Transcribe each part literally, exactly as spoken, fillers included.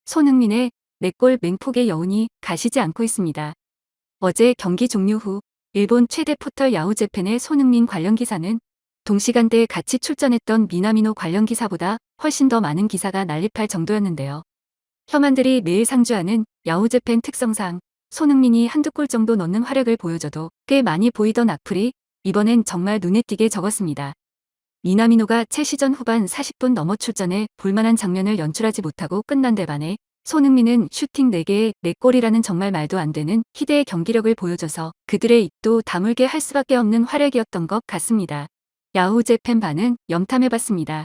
손흥민의 네 골 맹폭의 여운이 가시지 않고 있습니다. 어제 경기 종료 후 일본 최대 포털 야후재팬의 손흥민 관련 기사는 동시간대에 같이 출전했던 미나미노 관련 기사보다 훨씬 더 많은 기사가 난립할 정도였는데요. 혐한들이 매일 상주하는 야후재팬 특성상 손흥민이 한두 골 정도 넣는 활약을 보여줘도 꽤 많이 보이던 악플이 이번엔 정말 눈에 띄게 적었습니다. 미나미노가 채 시전 후반 사십 분 넘어 출전해 볼만한 장면을 연출하지 못하고 끝난 데 반해 손흥민은 슈팅 네 개에 네 골이라는 정말 말도 안 되는 희대의 경기력을 보여줘서 그들의 입도 다물게 할 수밖에 없는 활약이었던 것 같습니다. 야후재팬 반응 염탐해봤습니다.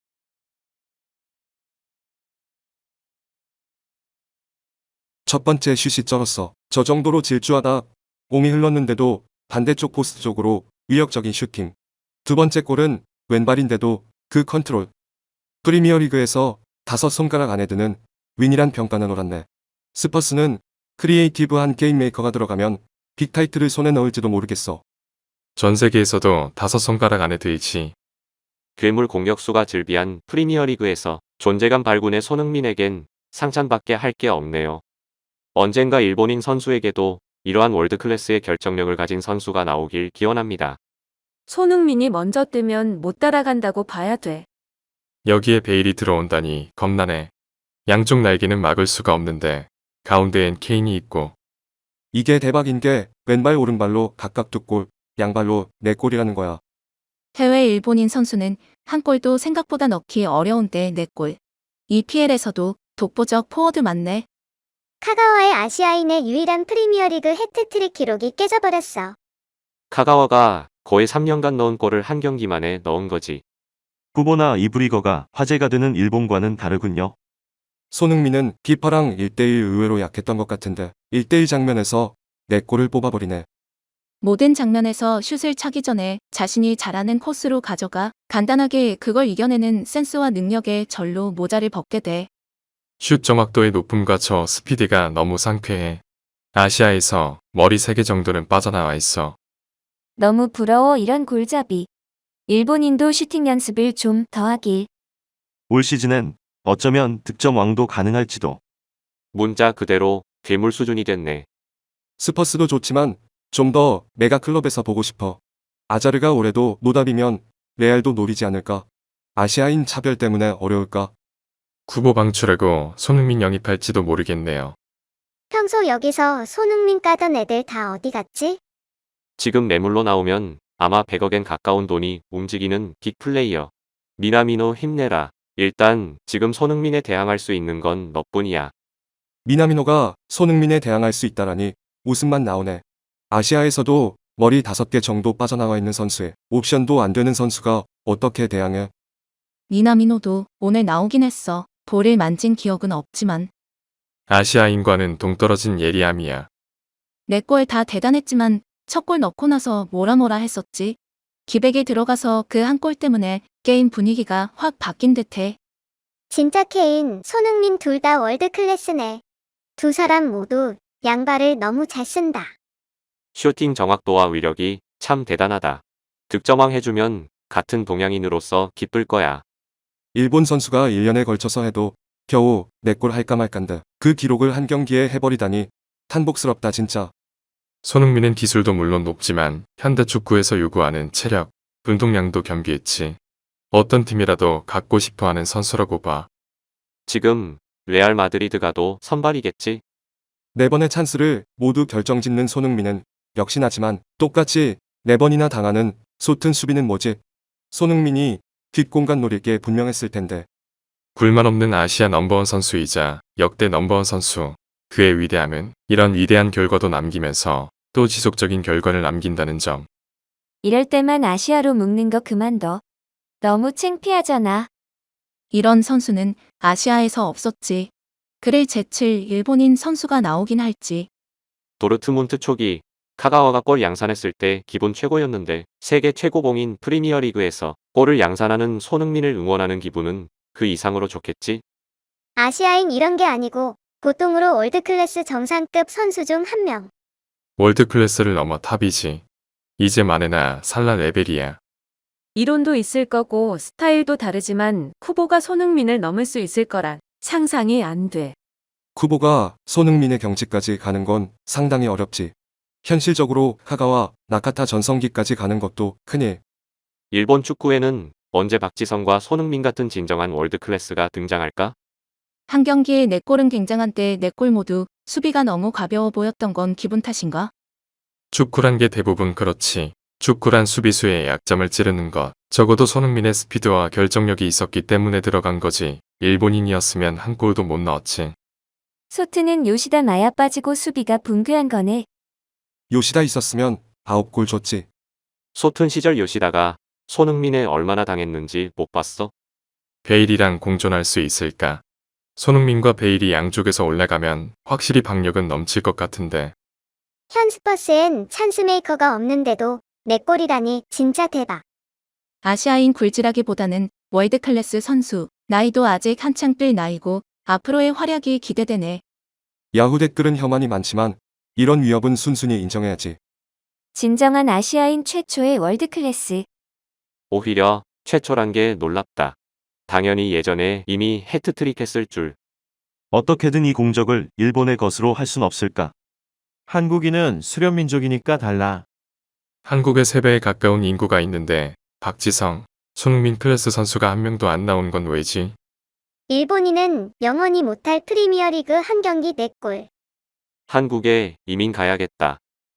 첫 번째 슛이 쩔었어. 저 정도로 질주하다 공이 흘렀는데도 반대쪽 포스트 쪽으로 위협적인 슈팅. 두 번째 골은 왼발인데도 그 컨트롤. 프리미어리그에서 다섯 손가락 안에 드는 윈이란 평가는 옳았네. 스퍼스는 크리에이티브한 게임 메이커가 들어가면 빅타이틀을 손에 넣을지도 모르겠어. 전 세계에서도 다섯 손가락 안에 들지. 괴물 공격수가 즐비한 프리미어리그에서 존재감 발군의 손흥민에겐 상찬밖에 할 게 없네요. 언젠가 일본인 선수에게도 이러한 월드클래스의 결정력을 가진 선수가 나오길 기원합니다. 손흥민이 먼저 뜨면 못 따라간다고 봐야 돼. 여기에 베일이 들어온다니 겁나네. 양쪽 날개는 막을 수가 없는데 가운데엔 케인이 있고. 이게 대박인 게 왼발 오른발로 각각 두 골, 양발로 네 골이라는 거야. 해외 일본인 선수는 한 골도 생각보다 넣기 어려운데 네 골. 이피엘에서도 독보적 포워드 맞네. 카가와의 아시아인의 유일한 프리미어리그 해트트릭 기록이 깨져버렸어. 카가와가 거의 삼 년간 넣은 골을 한 경기만에 넣은 거지. 후보나 이브리거가 화제가 되는 일본과는 다르군요. 손흥민은 키퍼랑 일 대 일 의외로 약했던 것 같은데 일 대 일 장면에서 네 골을 뽑아버리네. 모든 장면에서 슛을 차기 전에 자신이 잘하는 코스로 가져가 간단하게 그걸 이겨내는 센스와 능력에 절로 모자를 벗게 돼. 슛 정확도의 높음과 저 스피드가 너무 상쾌해. 아시아에서 머리 세 개 정도는 빠져나와 있어. 너무 부러워 이런 골잡이. 일본인도 슈팅 연습을 좀 더 하길. 올 시즌엔 어쩌면 득점 왕도 가능할지도. 문자 그대로 괴물 수준이 됐네. 스퍼스도 좋지만 좀 더 메가 클럽에서 보고 싶어. 아자르가 올해도 노답이면 레알도 노리지 않을까? 아시아인 차별 때문에 어려울까? 쿠보 방출하고 손흥민 영입할지도 모르겠네요. 평소 여기서 손흥민 까던 애들 다 어디 갔지? 지금 매물로 나오면 아마 백억엔 가까운 돈이 움직이는 빅플레이어. 미나미노 힘내라. 일단 지금 손흥민에 대항할 수 있는 건 너뿐이야. 미나미노가 손흥민에 대항할 수 있다라니 웃음만 나오네. 아시아에서도 머리 다섯 개 정도 빠져나와 있는 선수에 옵션도 안 되는 선수가 어떻게 대항해? 미나미노도 오늘 나오긴 했어. 볼을 만진 기억은 없지만. 아시아인과는 동떨어진 예리함이야. 네 골 다 대단했지만 첫 골 넣고 나서 뭐라 뭐라 했었지. 기백에 들어가서 그 한 골 때문에 게임 분위기가 확 바뀐 듯해. 진짜 케인, 손흥민 둘 다 월드클래스네. 두 사람 모두 양발을 너무 잘 쓴다. 슈팅 정확도와 위력이 참 대단하다. 득점왕 해주면 같은 동양인으로서 기쁠 거야. 일본 선수가 일 년에 걸쳐서 해도 겨우 네 골 할까 말까인데 그 기록을 한 경기에 해버리다니 탄복스럽다 진짜. 손흥민은 기술도 물론 높지만 현대축구에서 요구하는 체력, 운동량도 겸비했지. 어떤 팀이라도 갖고 싶어하는 선수라고 봐. 지금 레알 마드리드 가도 선발이겠지? 네 번의 찬스를 모두 결정짓는 손흥민은 역시나지만 똑같이 네 번이나 당하는 소튼 수비는 뭐지? 손흥민이 뒷공간 노릴 게 분명했을 텐데. 굴만 없는 아시아 넘버원 선수이자 역대 넘버원 선수. 그의 위대함은 이런 위대한 결과도 남기면서 또 지속적인 결과를 남긴다는 점. 이럴 때만 아시아로 묶는 거 그만둬. 너무 창피하잖아. 이런 선수는 아시아에서 없었지. 그를 제칠 일본인 선수가 나오긴 할지. 도르트문트 초기 카가와가 골 양산했을 때 기분 최고였는데 세계 최고봉인 프리미어리그에서 골을 양산하는 손흥민을 응원하는 기분은 그 이상으로 좋겠지? 아시아인 이런 게 아니고 보통으로 월드클래스 정상급 선수 중 한 명. 월드클래스를 넘어 탑이지. 이제 마네나 살라 레벨이야. 이론도 있을 거고 스타일도 다르지만 쿠보가 손흥민을 넘을 수 있을 거란 상상이 안 돼. 쿠보가 손흥민의 경지까지 가는 건 상당히 어렵지. 현실적으로 카가와 나카타 전성기까지 가는 것도 큰일. 일본 축구에는 언제 박지성과 손흥민 같은 진정한 월드클래스가 등장할까? 한 경기에 네 골은 굉장한데 네 골 모두 수비가 너무 가벼워 보였던 건 기분 탓인가? 축구란 게 대부분 그렇지. 축구란 수비수의 약점을 찌르는 것. 적어도 손흥민의 스피드와 결정력이 있었기 때문에 들어간 거지. 일본인이었으면 한 골도 못 넣었지. 소트는 요시다 마야 빠지고 수비가 붕괴한 거네. 요시다 있었으면 아홉 골 줬지. 소튼 시절 요시다가 손흥민에 얼마나 당했는지 못 봤어? 베일이랑 공존할 수 있을까? 손흥민과 베일이 양쪽에서 올라가면 확실히 박력은 넘칠 것 같은데. 현 스퍼스엔 찬스메이커가 없는데도 네 골이라니 진짜 대박. 아시아인 굴지라기보다는 월드클래스 선수, 나이도 아직 한창 뛸 나이고 앞으로의 활약이 기대되네. 야후 댓글은 혐한이 많지만 이런 위협은 순순히 인정해야지. 진정한 아시아인 최초의 월드클래스. 오히려 최초란 게 놀랍다. 당연히 예전에 이미 해트트릭 했을 줄. 어떻게든 이 공적을 일본의 것으로 할 순 없을까? 한국인은 수렵민족이니까 달라. 한국에 세 배에 가까운 인구가 있는데 박지성, 손흥민 클래스 선수가 한 명도 안 나온 건 왜지? 일본인은 영원히 못할 프리미어리그 한 경기 네 골. 한국에 이민 가야겠다.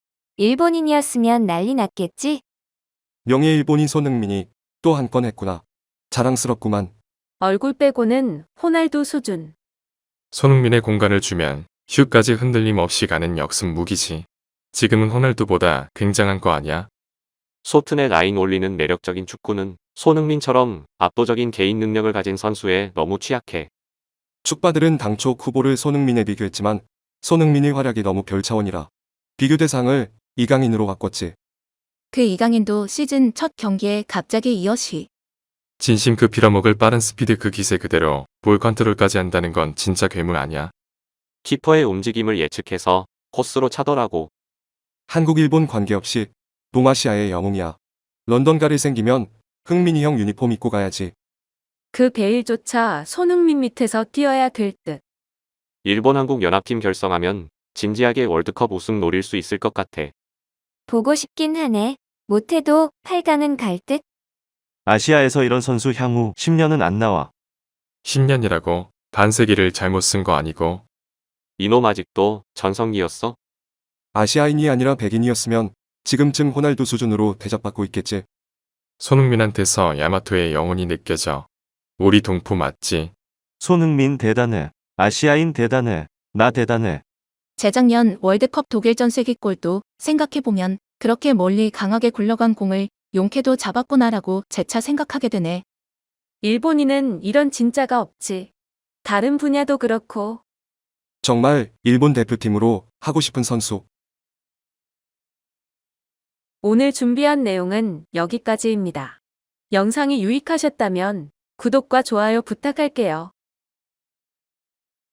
일본인이었으면 난리 났겠지? 명예 일본인 손흥민이 또 한 건 했구나. 자랑스럽구만. 얼굴 빼고는 호날두 수준. 손흥민의 공간을 주면 슛까지 흔들림 없이 가는 역습 무기지. 지금은 호날두보다 굉장한 거 아니야? 소튼의 라인 올리는 매력적인 축구는 손흥민처럼 압도적인 개인 능력을 가진 선수에 너무 취약해. 축바들은 당초 쿠보를 손흥민에 비교했지만 손흥민의 활약이 너무 별 차원이라 비교 대상을 이강인으로 바꿨지. 그 이강인도 시즌 첫 경기에 갑자기 이어시. 진심 그 빌어먹을 빠른 스피드 그 기세 그대로 볼 컨트롤까지 한다는 건 진짜 괴물 아니야? 키퍼의 움직임을 예측해서 코스로 차더라고. 한국 일본 관계없이 동아시아의 영웅이야. 런던 가를 생기면 흥민이 형 유니폼 입고 가야지. 그 베일조차 손흥민 밑에서 뛰어야 될 듯. 일본 한국 연합팀 결성하면 진지하게 월드컵 우승 노릴 수 있을 것 같아. 보고 싶긴 하네. 못해도 팔 강은 갈 듯? 아시아에서 이런 선수 향후 십 년은 안 나와. 십 년이라고 반세기를 잘못 쓴 거 아니고. 이놈 아직도 전성기였어? 아시아인이 아니라 백인이었으면 지금쯤 호날두 수준으로 대접받고 있겠지. 손흥민한테서 야마토의 영혼이 느껴져. 우리 동포 맞지? 손흥민 대단해. 아시아인 대단해. 나 대단해. 재작년 월드컵 독일전 쐐기골도 생각해보면 그렇게 멀리 강하게 굴러간 공을 용케도 잡았구나라고 재차 생각하게 되네. 일본인은 이런 진짜가 없지. 다른 분야도 그렇고. 정말 일본 대표팀으로 하고 싶은 선수. 오늘 준비한 내용은 여기까지입니다. 영상이 유익하셨다면 구독과 좋아요 부탁할게요.